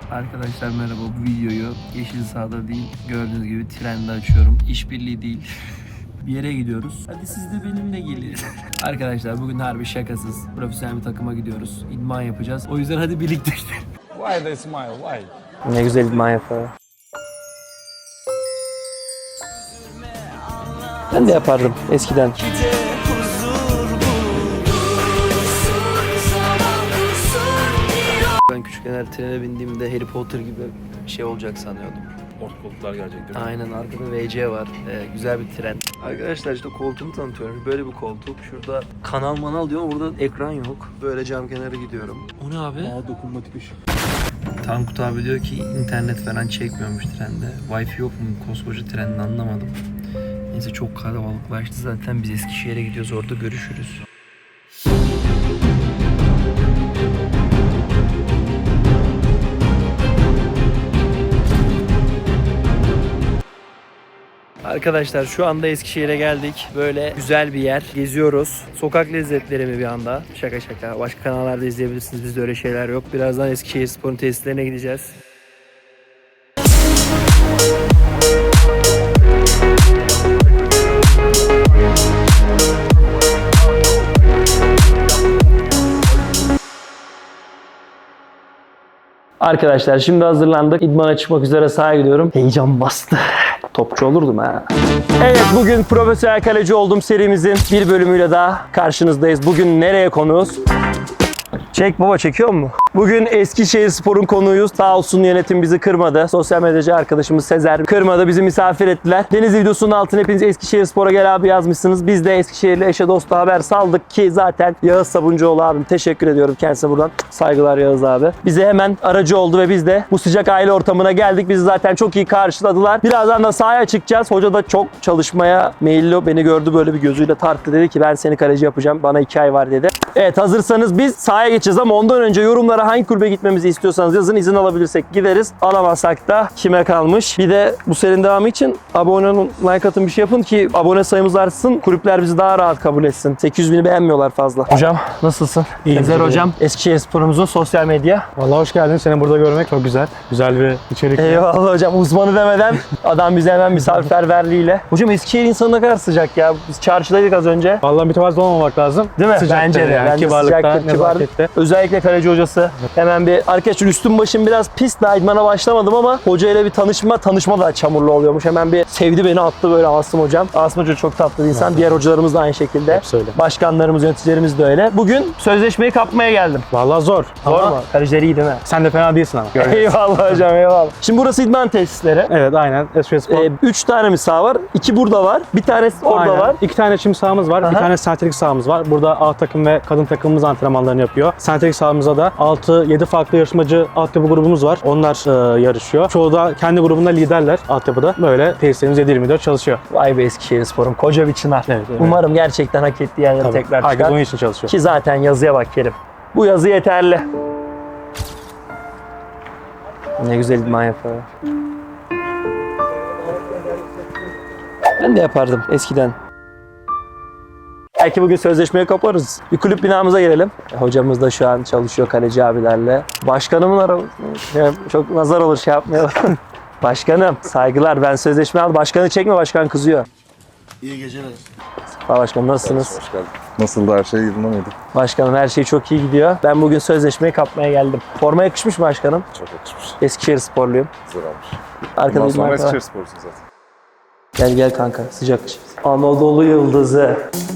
Arkadaşlar merhaba, bu videoyu Yeşil Sahada değil, gördüğünüz gibi trende açıyorum. İşbirliği değil. Bir yere gidiyoruz. Hadi siz de benimle gelin. Arkadaşlar bugün harbi şakasız profesyonel bir takıma gidiyoruz. İdman yapacağız. O yüzden hadi birlikte gidelim. Why they smile? Why? Ne güzel idman yapıyor. Ben de yapardım eskiden. Ben küçükken her trene bindiğimde Harry Potter gibi bir şey olacak sanıyordum. Orta koltuklar gelecek değil mi? Aynen, arkada VC var. Güzel bir tren. Arkadaşlar işte koltuğumu tanıtıyorum. Böyle bir koltuk. Şurada kanal manal diyor ama burada ekran yok. Böyle cam kenarı gidiyorum. O ne abi? Dokunmatik ışık. Tankut abi diyor ki internet falan çekmiyormuş trende. Wi-Fi yok mu koskoca trenin, anlamadım. Neyse çok kalabalıklaştı zaten. Biz Eskişehir'e gidiyoruz, orada görüşürüz. Arkadaşlar şu anda Eskişehir'e geldik. Böyle güzel bir yer. Geziyoruz. Sokak lezzetleri mi bir anda? Şaka şaka. Başka kanallarda izleyebilirsiniz. Bizde öyle şeyler yok. Birazdan Eskişehirspor'un tesislerine gideceğiz. Arkadaşlar şimdi hazırlandık. İdmana çıkmak üzere sahaya gidiyorum. Heyecan bastı. Topçu olurdum ha. Evet, bugün profesyonel kaleci olduğum serimizin bir bölümüyle daha karşınızdayız. Bugün nereye konuğuz? Çek baba, çekiyor mu? Bugün Eskişehirspor'un konuğuyuz. Sağ olsun yönetim bizi kırmadı. Sosyal medyacı arkadaşımız Sezer kırmadı. Bizi misafir ettiler. Deniz videosunun altına hepiniz Eskişehirspor'a gel abi yazmışsınız. Biz de Eskişehirli eşe dosta haber saldık ki zaten Yağız Sabuncuoğlu abim, teşekkür ediyorum kendisine buradan. Saygılar Yağız abi. Bize hemen aracı oldu ve biz de bu sıcak aile ortamına geldik. Bizi zaten çok iyi karşıladılar. Birazdan da sahaya çıkacağız. Hoca da çok çalışmaya meyilli. Beni gördü, böyle bir gözüyle tarttı. Dedi ki ben seni kaleci yapacağım. Bana 2 ay var dedi. Evet, hazırsanız biz sahaya geçeceğiz ama ondan önce yorumlara hangi kulübe gitmemizi istiyorsanız yazın. İzin alabilirsek gideriz. Alamazsak da kime kalmış. Bir de bu serinin devamı için abone olun, like atın, bir şey yapın ki abone sayımız artsın. Kulüpler bizi daha rahat kabul etsin. 800.000'i beğenmiyorlar fazla. Hocam nasılsın? İyiyim. Sezer hocam, Eskişehirspor'umuzun sosyal medya. Vallahi hoş geldin. Seni burada görmek çok güzel. Güzel bir içerik. Eyvallah hocam. Uzmanı demeden adam bize hemen misafirperverliğiyle. Hocam Eskişehir insanı ne kadar sıcak ya. Biz çarşıdaydık az önce. Vallahi mütevazı olmamak lazım. Değil mi? Sıcaktır Bence de. yani. Bence Kibarlıkta, sıcaktır, kibar. nezakette. Özellikle kaleci hocası. Hemen bir arkadaşlar, üstüm başım biraz pis, daha idmana başlamadım ama hocayla bir tanışma da çamurlu oluyormuş. Hemen bir sevdi beni, attı böyle Asım hocam. Asım hoca çok tatlı bir insan. Evet. Diğer hocalarımız da aynı şekilde. Hepsi öyle. Başkanlarımız, yöneticilerimiz de öyle. Bugün sözleşmeyi kapmaya geldim. Vallahi zor. Zor Ama mu? Kalecileri iyi değil mi? sen de fena değilsin ama. Eyvallah hocam, eyvallah. Şimdi burası idman tesisleri. Evet, aynen. Eskişehirspor. 3 tane mi saha var? 2 burada var. Bir tanesi orada Aynen. var. 2 tane çim sahamız var. Aha. Bir tane sentetik sahamız var. Burada A takım ve kadın takımımız antrenmanlarını yapıyor. Sentetik sahamızda da 6-7 farklı yarışmacı altyapı grubumuz var. Onlar yarışıyor. Çoğu da kendi grubunda liderler altyapıda. Böyle tesislerimiz 7/24 çalışıyor. Vay be, Eskişehirspor'un koca bir çınar. Evet, evet. Umarım gerçekten hak ettiği yerlere Tabii. tekrar Herkes çıkar. onun için çalışıyor. Ki zaten yazıya bak Kerim. Bu yazı yeterli. Ne güzel idman yapıyor. Ben de yapardım eskiden. Belki bugün sözleşmeyi kaparız. Bir kulüp binamıza gelelim. Hocamız da şu an çalışıyor kaleci abilerle. Başkanımın arabası. Çok nazar olur, şey yapmayalım. Başkanım saygılar, ben sözleşme aldım. Başkanı çekme, başkan kızıyor. İyi geceler. Sağ başkanım, nasılsınız? Hoş geldin. Nasıldı, her şey yolunda mıydı? Başkanım her şey çok iyi gidiyor. Ben bugün sözleşmeyi kapmaya geldim. Forma yakışmış mı başkanım? Çok yakışmış. Eskişehirsporluyum. Güzel olmuş. Arkada Bundan sonra idman var. Eskişehirspor'sun zaten. Gel gel kanka, sıcak. Anadolu Yıldızı.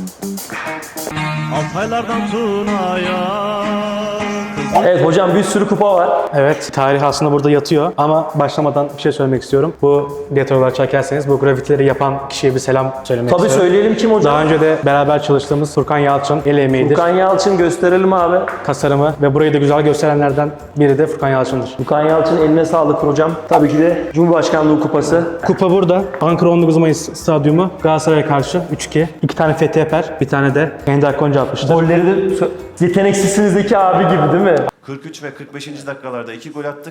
Altaylardan Tuna'ya. Evet hocam, bir sürü kupa var. Evet, tarih aslında burada yatıyor ama başlamadan bir şey söylemek istiyorum. Bu detay olarak çekerseniz bu grafitileri yapan kişiye bir selam söylemek Tabii istiyorum. söyleyelim, kim hocam? Daha önce de beraber çalıştığımız Furkan Yalçın el emeğidir. Furkan Yalçın, gösterelim abi. Tasarımı ve burayı da güzel gösterenlerden biri de Furkan Yalçın'dır. Furkan Yalçın, eline sağlık hocam. Tabii ki de Cumhurbaşkanlığı kupası. Kupa burada. Ankara 19 Mayıs Stadyumu Galatasaray'a karşı 3-2. 2 tane Fethi Eper, bir tane de Ender Konca atmıştır. Golleri de yeteneksizsinizdeki abi gibi değil mi? 43 ve 45. dakikalarda 2 gol attık.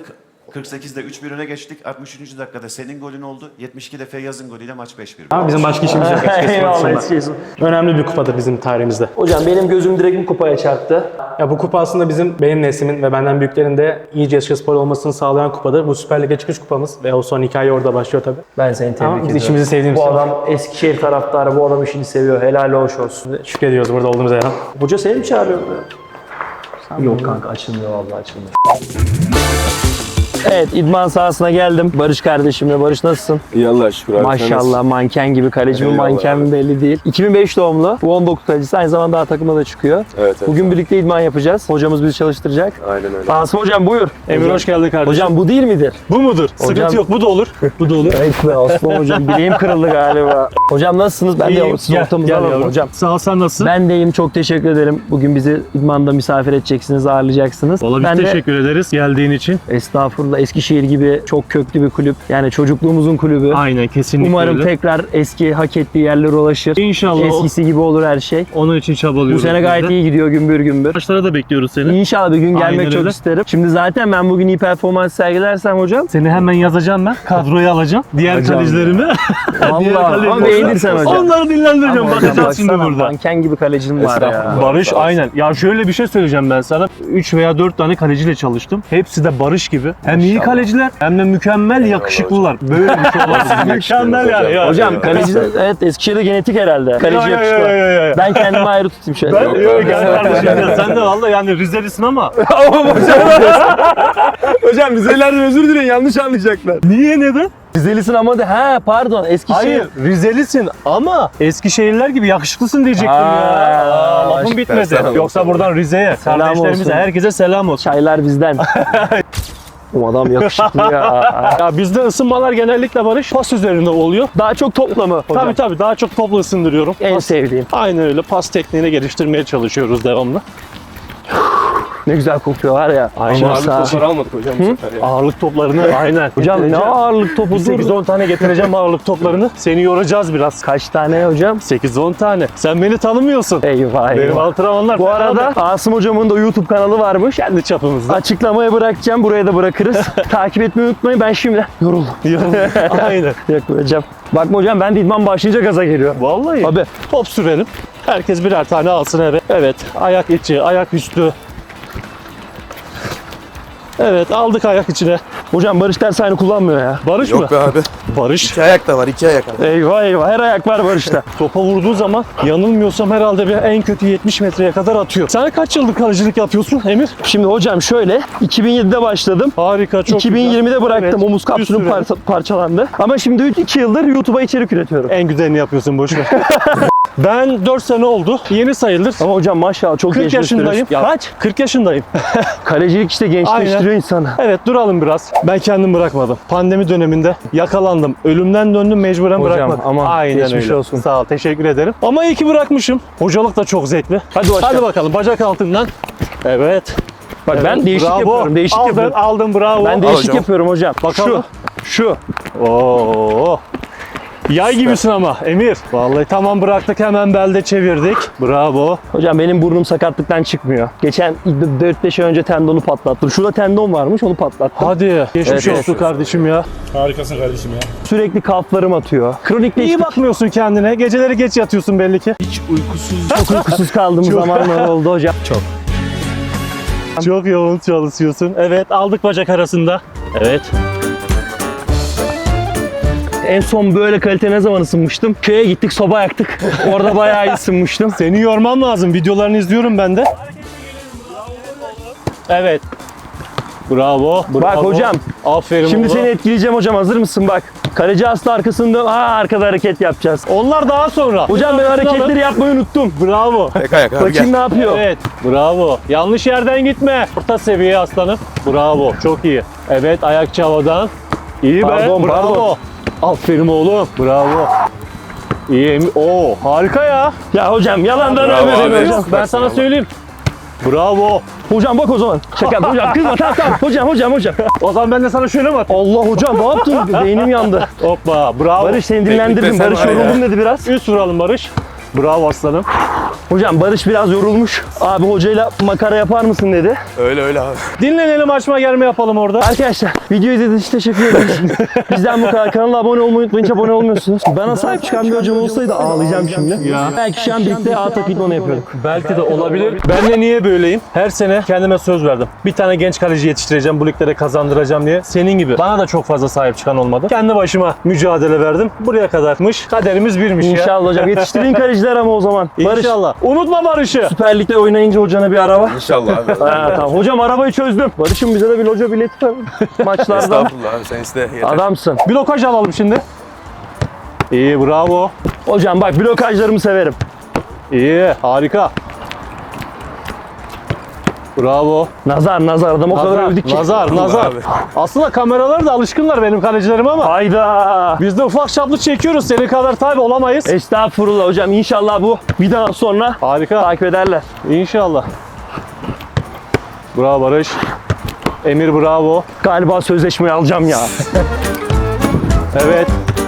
48'de 3-1 öne geçtik. 63. dakikada senin golün oldu. 72'de Feyyaz'ın golüyle maç 5-1. Ama bizim başka işimiz yok. Eyvallah Eskişehir. Önemli bir kupadır bizim tarihimizde. Hocam benim gözüm direkt bu kupaya çarptı. Ya bu kupa aslında benim neslimin ve benden büyüklerin de iyice Eskişehirspor olmasını sağlayan kupadır. Bu Süper Lig'e çıkış kupamız ve o son hikaye orada başlıyor tabii. Ben seni tebrik Ama ediyorum. biz işimizi sevdiğimiz Bu için adam Eskişehir taraftarı, bu adam işini seviyor. Helal hoş olsun. şükrediyoruz burada olduğumuza ya. Hoca seni mi çağırıyor? Yok kanka açılmıyor vallahi açılmıyor. Evet, idman sahasına geldim. Barış kardeşimle. Barış nasılsın? İyi Allah'a şükür abi. Maşallah manken gibi. Kaleci mi Eyvallah manken mi belli değil. 2005 doğumlu. Bu 19 kalecisi. Aynı zamanda A takımda da çıkıyor. Evet. Bugün birlikte idman yapacağız. Hocamız bizi çalıştıracak. Aynen öyle. Asım hocam buyur. Emir hoş geldin kardeşim. Hocam bu değil midir? bu mudur? Sıkıntı yok, bu da olur. Bu da olur. Evet be Aslan hocam. Bileğim kırıldı galiba. Hocam nasılsınız? Ben de sizin ortamınızda varım hocam. Sağ ol, sen nasılsın? Ben de iyiyim. Çok teşekkür ederim. Bugün bizi idmanda misafir edeceksiniz, ağırlayacaksınız. Valla biz Ben de teşekkür ederiz geldiğin için. estağfurullah Eskişehir gibi çok köklü bir kulüp. Yani çocukluğumuzun kulübü. Aynen, kesinlikle Umarım öyle. tekrar eski hak ettiği yerlere ulaşır. İnşallah Eskisi gibi olur her şey. onun için çabalıyoruz. Bu sene gayet iyi gidiyor gümbür gümbür. Maçlara da bekliyoruz seni. İnşallah bir gün gelmek Aynen çok öyle. isterim. Şimdi zaten ben bugün iyi performans sergilersem hocam. Seni hemen yazacağım ben. Kadroya alacağım. Diğer Hocam kalecilerimi. Vallahi ama beğenirsen hocam. Onları dinlendireceğim. Ama hocam Bakacağız şimdi baksana, burada. manken gibi kalecim var ya. Estağfurullah. Barış aynen. Ya şöyle bir şey söyleyeceğim ben sana. 3 veya 4 tane kaleciyle çalıştım. Hepsi de Barış gibi. Hem iyi kaleciler hem de mükemmel yakışıklılar. Böyle bir şey olmaz. Mükemmel yani. Ya. Hocam kaleci evet Eskişehir'de genetik herhalde. Kaleci Ya, ya, yakışıklı. ya, ya, ya. Ben kendimi ayrı tutayım şöyle. Ben yok gel kardeşim ya. Sen de valla yani Rizelisin ama. Hocam Rizelilerden özür dileyin yanlış anlayacaklar. Niye, neden? Rizelisin ama de ha pardon Eskişehir. Hayır, Rizelisin ama Eskişehirliler gibi yakışıklısın diyecektim Aa, ya. Lafım bitmedi. selam Yoksa olsun. buradan Rize'ye, Selam kardeşlerimize, olsun. herkese selam olsun. Çaylar bizden. O adam yakışıklı ya. Ya bizde ısınmalar genellikle Barış pas üzerinde oluyor. Daha çok topla mı hocam? Tabii daha çok topla ısındırıyorum. En Pas- sevdiğim. Aynen öyle, pas tekniğini geliştirmeye çalışıyoruz devamlı. Ne güzel kokuyor var ya. Aynen. Masa. almadık hocam bu sefer ya. Ağırlık toplarını aynen. Hocam ne ağırlık topu dur. 8-10 tane getireceğim ağırlık toplarını. Seni yoracağız biraz. Kaç tane hocam? 8-10 tane. Sen beni tanımıyorsun. Eyvah Benim eyvah. antrenmanlar. Bu arada Asım hocamın da YouTube kanalı varmış. kendi çapımızda. Açıklamaya bırakacağım. Buraya da bırakırız. Takip etmeyi unutmayın. Ben şimdiden yoruldum. Aynen. Yok hocam. Bakma hocam ben de idman başlayınca gaza geliyor. Vallahi. Abi Top sürelim. Herkes birer tane alsın eve. Evet. Ayak içi, ayak üstü. Evet, aldık ayak içine. hocam Barış ders aynı kullanmıyor ya. Barış mı? Yok be abi. Barış. 2 ayak da var, 2 ayak abi. Eyvah eyvah her ayak var Barış'ta. Topa vurduğu zaman yanılmıyorsam herhalde bir en kötü 70 metreye kadar atıyor. Sen kaç yıllık kalecilik yapıyorsun Emir? Şimdi hocam şöyle 2007'de başladım. Harika, çok 2020'de güzel. bıraktım. Evet, Omuz kapsülüm bir süre. parçalandı. Ama şimdi 2 yıldır YouTube'a içerik üretiyorum. En güzelini yapıyorsun, boş ver. Ben 4 sene oldu. Yeni sayılır. Ama hocam maşallah çok 40 gençleştiriyorsun. yaşındayım. Ya, Kaç? 40 yaşındayım. kalecilik işte gençleştiriyor insanı. Evet, duralım biraz. Ben kendim bırakmadım. Pandemi döneminde yakalandım. Ölümden döndüm, mecburen Hocam, bırakmadım. aman Aynen geçmiş öyle. olsun. Sağ ol, teşekkür ederim. Ama iyi ki bırakmışım. Hocalık da çok zevkli. Hadi başla. Hadi bakalım, bacak altından. Evet. Bak ben Evet, değişik bravo. yapıyorum. Değişik aldın, yapıyorum. Aldın, bravo. Ben değişik hocam. yapıyorum hocam. Bakalım. Şu. Oo. Yay gibisin ama Emir. Vallahi tamam, bıraktık, hemen belde çevirdik. Bravo. Hocam benim burnum sakatlıktan çıkmıyor. Geçen 4-5 ay önce tendonu patlattım. Şurada tendon varmış onu patlattım. Hadi. Geçmiş Evet, olsun evet. kardeşim ya. Harikasın kardeşim ya. Sürekli kalflarım atıyor. İyi Kronikleştik. bakmıyorsun kendine. Geceleri geç yatıyorsun belli ki. Çok uykusuz kaldığım zamanlar oldu hocam. Çok yoğun çalışıyorsun. Evet, aldık bacak arasında. Evet. En son böyle kalite ne zaman ısınmıştım? Köye gittik soba yaktık. Orada bayağı iyi ısınmıştım. Seni yormam lazım. Videolarını izliyorum ben de. Evet. Bravo. Bak hocam. Aferin Şimdi oğlum. seni etkileyeceğim hocam, hazır mısın bak. Kaleci aslı arkasında arkada hareket yapacağız. Onlar daha sonra. Hocam ben hareketleri yapmayı unuttum. Bravo. Tek ayak abi Bakayım gel. ne yapıyor. Evet. Bravo. Yanlış yerden gitme. Orta seviye aslanım. Bravo. Çok iyi. Evet, ayakçı havadan. İyi Pardon, be. Bravo. pardon. Aferin oğlum. Bravo. İyi. Oo, harika ya. Ya hocam yalandan Bravo övme abi. hocam. Ben sana söyleyeyim. Bravo. Hocam bak o zaman. Şaka yaptım hocam. Kızma tamam. Hocam. O zaman ben de sana şöyle mi atayım? Allah hocam ne yaptın? Beynim yandı. Hoppa. Bravo. Barış seni dinlendirdim. Teknikte sen Barış var ya. yoruldum dedi biraz. Üst vuralım Barış. Bravo aslanım. Hocam Barış biraz yorulmuş. Abi hocayla makara yapar mısın dedi. Öyle abi. Dinlenelim, açma gelme yapalım orada. Arkadaşlar video izlediğiniz için teşekkür ederiz. Bizden bu kadar. Kanala abone olmayı unutmayın. Hiç abone olmuyorsunuz. Bana sahip çıkan bir hocam olsaydı ağlayacağım şimdi. Ya. Belki şu an birlikte A takip idmanı yapıyorduk. Belki de olabilir. Ben de niye böyleyim? Her sene kendime söz verdim. Bir tane genç kaleci yetiştireceğim, bu liglere kazandıracağım diye. Senin gibi. Bana da çok fazla sahip çıkan olmadı. Kendi başıma mücadele verdim. Buraya kadarmış. Kaderimiz birmiş ya. İnşallah hocam. Yetiştirdiğin kaleciler ama o zaman. Barış, İnşallah. Unutma Barış'ı. Süper Lig'de oynayınca hocana bir araba. İnşallah abi. Ha, tamam. Hocam arabayı çözdüm. Barış'ım bize de bir loca bileti ver. Maçlardan. Estağfurullah abi sen iste yeter. Adamsın. Blokaj alalım şimdi. İyi, bravo. Hocam bak blokajlarımı severim. İyi, harika. Bravo. Nazar adam o kadar övdük ki. Nazar. abi. Aslında kameralar da alışkınlar benim kalecilerim ama Hayda. biz de ufak çaplı çekiyoruz. Senin kadar tabi olamayız. Estağfurullah hocam. İnşallah bu videodan sonra Harika. takip ederler. İnşallah. Bravo Barış. Emir bravo. Galiba sözleşmeyi alacağım ya. Evet.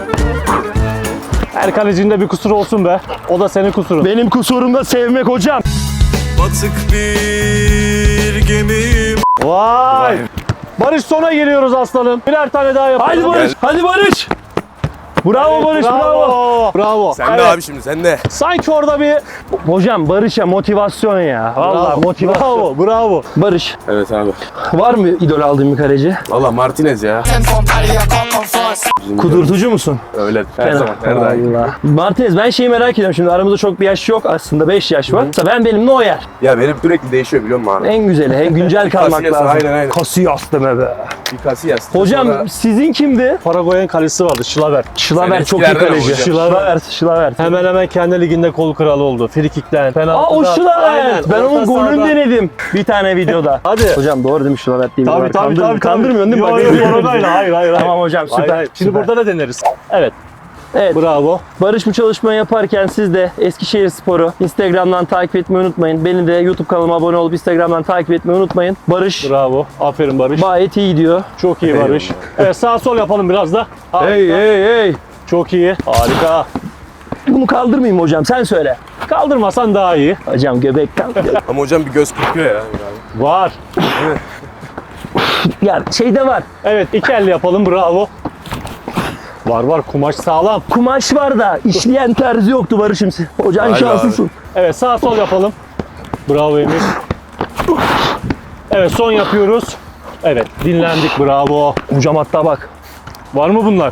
Her kalecinde bir kusur olsun be. O da senin kusurun. Benim kusurum da sevmek hocam. Batık bir gemim. Vay. Barış, sona geliyoruz aslanım. Birer tane daha yapalım. Hadi Barış. Hadi Barış. Bravo Barış, bravo. Bravo. Sen de Evet. abi şimdi sen de. Sanki orada bir Hocam Barış'a motivasyon ya. Vallahi motivasyon. Bravo. Barış, Evet abi. var mı idol aldığın bir kaleci? Valla Martinez ya. Kudurtucu musun? Öyle her zaman her daim. Allah. Martinez, ben şeyi merak ediyorum şimdi, aramızda çok bir yaş yok aslında, 5 yaş var. Mesela ben benimle o yer. Ya benim sürekli değişiyor biliyor musun abi? En güzeli, en güncel kalmak Casillas, lazım. aynen. Casillas deme be. Bir Casillas. Hocam Sonra sizin kimdi? Paraguay'ın kalecisi vardı, Şilaver. Şilaver Sen çok iyi eskilerden kaleci. hocam. Şilaver. Hemen hemen kendi liginde kol kralı oldu. Frikikten, Aa penaltıdan. o Şilaver. Aynen, Ben orta onun golünü sahada. denedim bir tane videoda. Hadi. Hocam doğru değil mi Şilaver diye bir Tabii var. tabii. Kandırmıyorsun değil mi? Yok Bak, yok, Paraguay'la. Hayır. Tamam hocam süper. Hayır. Şimdi süper. burada da deneriz. Evet. Evet. Bravo. Barış bu çalışmayı yaparken siz de Eskişehir Spor'u Instagram'dan takip etmeyi unutmayın. Beni de YouTube kanalıma abone olup Instagram'dan takip etmeyi unutmayın. Barış Bravo. Aferin Barış. gayet iyi gidiyor. Çok iyi Barış. Evet, sağ sol yapalım biraz da. Harika. Hey. Çok iyi. Harika. Bunu kaldırmayayım hocam, sen söyle. Kaldırmasan daha iyi. Hocam göbek kaldı. ama hocam bir göz kırpıyor ya. Var. Ya şeyde var. Evet, iki elle yapalım. Bravo. Var. Kumaş sağlam. Kumaş var da işleyen terzi yoktu Barış'ım. Hocam Vay be şanslısın. Evet, sağ sol yapalım. Bravo Emir. Evet, son yapıyoruz. Evet, dinlendik. Bravo. Hocam hatta bak. Var mı bunlar?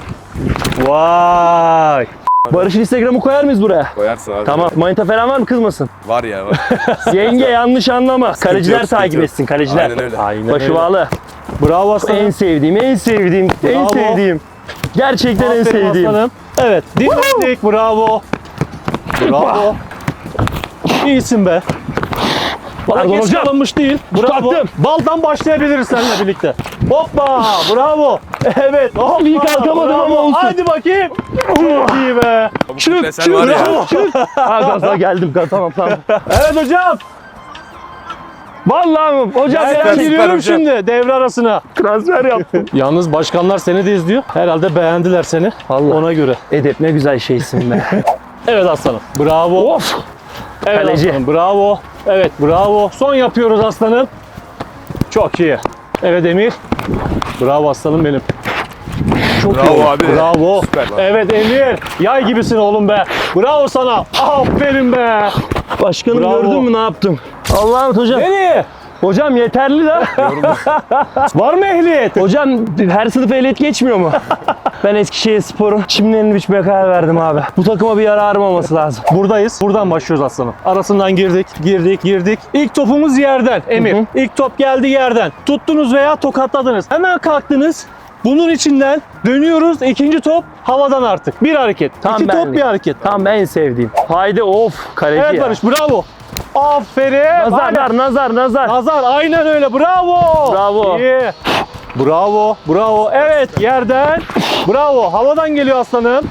Vay. Barış'ın Instagram'ı koyar mıyız buraya? Koyarsın abi. Tamam. Manita falan var mı, kızmasın? Var ya var. Yenge yanlış anlama. Kaleciler yok, sıkıntı takip yok. etsin, kaleciler. Aynen öyle. Aynen Başı öyle. bağlı. Bravo aslanım. En sevdiğim. En Bravo. sevdiğim. Gerçekten en Aferin sevdiğim. aslanım. Evet, dinlendik. Bravo. Bravo. İyisin be. Bana Pardon geç hocam. kalınmış değil. Bravo. Taktım. Baldan başlayabiliriz seninle birlikte. Hoppa. Bravo. Evet. Hoppa. iyi kalkamadım ama olsun. Hadi bakayım. Çok iyi be. Sen var ya. Ha gaza geldim. Tamam. Evet hocam. Vallahi mi? Hocam Ben ben giriyorum hocam. şimdi devre arasına. transfer yaptım. Yalnız başkanlar seni de izliyor. Herhalde beğendiler seni. Allah. Ona göre. Edep ne güzel şeysin be. Evet aslanım. Bravo. Of. Evet Kaleci. aslanım. Bravo. Evet bravo. Son yapıyoruz aslanım. Çok iyi. Evet Emir. Bravo aslanım benim. Çok Bravo iyi. abi. Bravo. Süper. Evet Emir. Yay gibisin oğlum be. Bravo sana. Aferin be. Başkanım Bravo. gördün mü ne yaptım? Allah'ım hocam. Nereye? Hocam yeterli de. Var mı ehliyet? Hocam her sınıf ehliyet geçmiyor mu? Ben Eskişehir Spor'un çimlerini biçmeye karar verdim abi. Bu takıma bir yararım olması lazım. Buradayız. Buradan başlıyoruz aslanım. Arasından girdik. İlk topumuz yerden Emir. Hı hı. İlk top geldi yerden. Tuttunuz veya tokatladınız. Hemen kalktınız. Bunun içinden dönüyoruz. İkinci top havadan artık. Bir hareket. Tam İki top benlik. bir hareket. Tam en sevdiğim. Haydi of kaleci Evet ya. Barış bravo. Aferin. Aynen. Nazar. Nazar aynen öyle. Bravo. Bravo. İyi. Bravo. Evet yerden. Bravo. Havadan geliyor aslanım.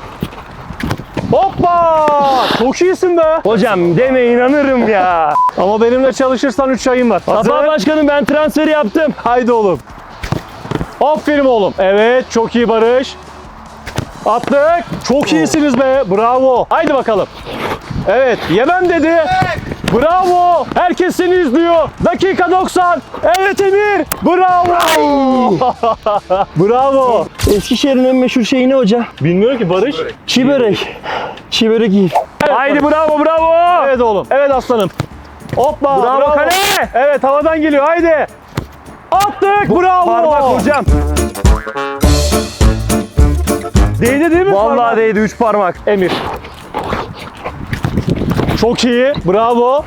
Hoppa! Çok iyisin be. Hocam deme inanırım ya. Ama benimle çalışırsan 3 ayın var. Sabah başkanım ben transferi yaptım. Haydi oğlum. Aferin oğlum. Evet çok iyi Barış. Attık. Çok iyisiniz be. Bravo. Haydi bakalım. Evet, yemem dedi. Bravo. Herkes seni izliyor. Dakika 90. Evet Emir. Bravo. Bravo. Eskişehir'in en meşhur şeyi ne hocam? Bilmiyorum ki Barış. Çiğ börek. Çiğ börek yiyin. Haydi bravo bravo. Evet oğlum. Evet aslanım. Hoppa. Bravo kale. Evet havadan geliyor. Haydi. Attık. Bravo. Parmak hocam. Değdi değil mi? Vallahi parmak? değdi 3 parmak. Emir. Çok iyi. Bravo.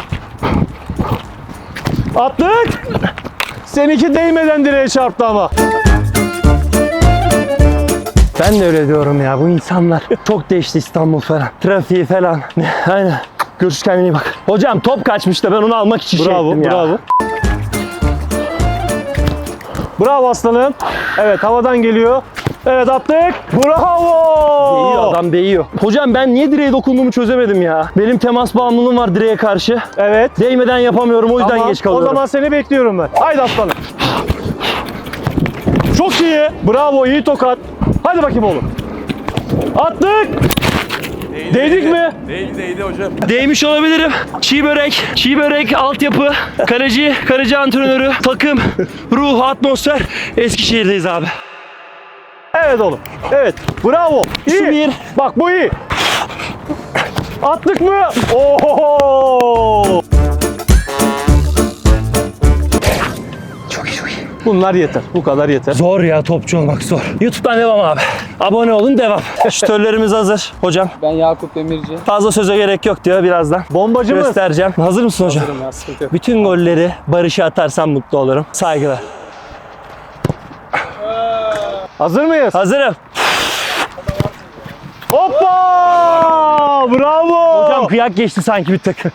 Attık. Seninki değmeden direğe çarptı ama. Ben de öyle diyorum ya, bu insanlar çok değişti, İstanbul falan. Trafiği falan. Aynen. Görüş, kendine iyi bak. Hocam top kaçmış da ben onu almak için şey Bravo, ettim ya. bravo. Bravo aslanım. Evet havadan geliyor. Evet attık. Bravo. Değiyor, adam değiyor. Hocam ben niye direğe dokunduğumu çözemedim ya. Benim temas bağımlılığım var direğe karşı. Evet. Değmeden yapamıyorum, o yüzden Tamam, geç kalıyorum. o zaman seni bekliyorum ben. Haydi aslanım. Çok iyi. Bravo, iyi tokat. Hadi bakayım oğlum. Attık. Değdik mi? Değdi hocam. Değmiş olabilirim. Çiğ börek, altyapı, kaleci antrenörü, takım, ruh, atmosfer. Eskişehir'deyiz abi. Evet oğlum. Evet. Bravo. İyi. Şu bir. Bak bu iyi. Attık mı? Oho. Çok iyi, çok iyi. Bunlar yeter. Bu kadar yeter. Zor ya, topçu olmak zor. YouTube'dan devam abi. Abone olun, devam. Şütörlerimiz hazır hocam. Ben Yakup Demirci. Fazla söze gerek yok diyor birazdan. Bombacı mı? Göstereceğim. Hazır mısın hocam? Hazırım ya, sıkıntı yok. Bütün golleri Barış'a atarsam mutlu olurum. Saygılar. Hazır mıyız? Hazırım. Hoppa! Bravo! Hocam kıyak geçti sanki bir tık.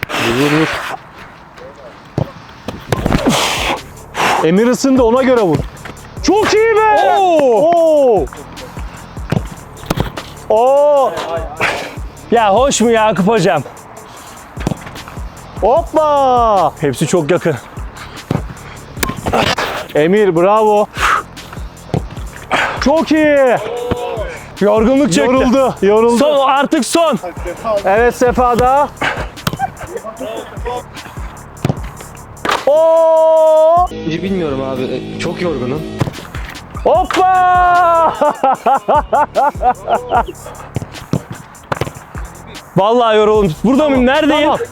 Emir ısındı, ona göre vur. Çok iyi be! Oo! Oo! Ya hoş mu Yakup hocam? Hoppa! Hepsi çok yakın. Emir bravo. Çok iyi. Yorgunluk çöktü. Yoruldu. Son, artık son. Evet Sefa'da. Oo! Bilmiyorum abi. Çok yorgunum. Hoppa! Vallahi yoruldum. Burada mıyım? Neredeyim? Tamam.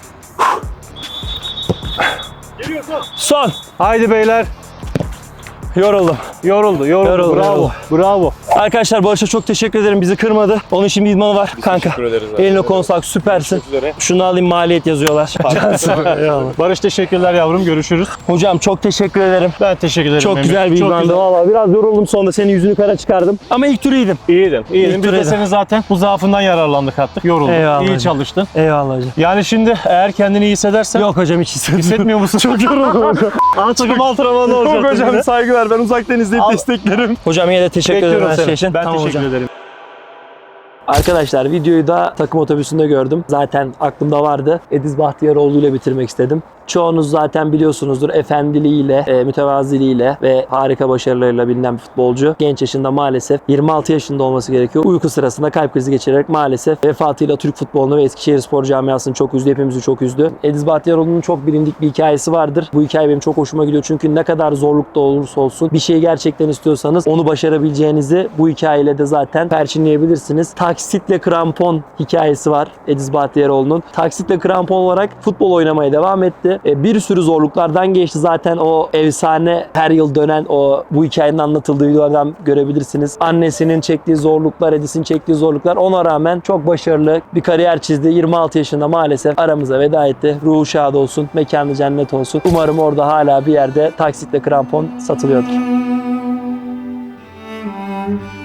Son. Haydi beyler. Yoruldum. Yoruldu. Yoruldu, Bravo. yoruldu. Bravo. Arkadaşlar Barış'a çok teşekkür ederim. Bizi kırmadı. Onun için bir idmanı var. Kanka. teşekkür ederiz abi. Eline konsak, süpersin. Şunu alayım, maliyet yazıyorlar. Cansın. Eyvallah. Barış teşekkürler yavrum. Görüşürüz. Hocam çok teşekkür ederim. Ben teşekkür ederim. Çok Emir. güzel bir Çok idmandı. güzel. Valla biraz yoruldum, sonunda senin yüzünü kara çıkardım. Ama ilk tur iyiydim. İyiydin. İlk Biz de turda. senin zaten bu zaafından yararlandık artık. Yoruldun. Eyvallah İyi hocam. çalıştın. Eyvallah hocam. Yani şimdi eğer kendini iyi hissedersen Yok hocam, hiç hissetmiyorum. hissetmiyor musun? Çok yoruldum. Takım antrenmanı olacak. Yok hocam, saygılar. Ben uzaktan izleyip Al. desteklerim. Hocam yine de teşekkür ederim Bekliyorum her seni. şey için. Ben Tamam teşekkür hocam. ederim. Arkadaşlar videoyu da takım otobüsünde gördüm. Zaten aklımda vardı. Ediz Bahtiyaroğlu ile bitirmek istedim. Çoğunuz zaten biliyorsunuzdur, efendiliğiyle, mütevaziliğiyle ve harika başarılarıyla bilinen bir futbolcu. Genç yaşında maalesef 26 yaşında olması gerekiyor. Uyku sırasında kalp krizi geçirerek maalesef vefatıyla Türk futbolunu ve Eskişehirspor camiasını çok üzdü. Hepimizi çok üzdü. Ediz Bahtiyaroğlu'nun çok bilindik bir hikayesi vardır. Bu hikaye benim çok hoşuma gidiyor. Çünkü ne kadar zorlukta olursa olsun bir şeyi gerçekten istiyorsanız onu başarabileceğinizi bu hikayeyle de zaten perçinleyebilirsiniz. Taksitle krampon hikayesi var Ediz Bahtiyaroğlu'nun. Taksitle krampon olarak futbol oynamaya devam etti. Bir sürü zorluklardan geçti. Zaten o efsane her yıl dönen o bu hikayenin anlatıldığı videolardan görebilirsiniz. Annesinin çektiği zorluklar, Edis'in çektiği zorluklar, ona rağmen çok başarılı bir kariyer çizdi. 26 yaşında maalesef aramıza veda etti. Ruhu şad olsun, mekanı cennet olsun. Umarım orada hala bir yerde taksitle krampon satılıyordur.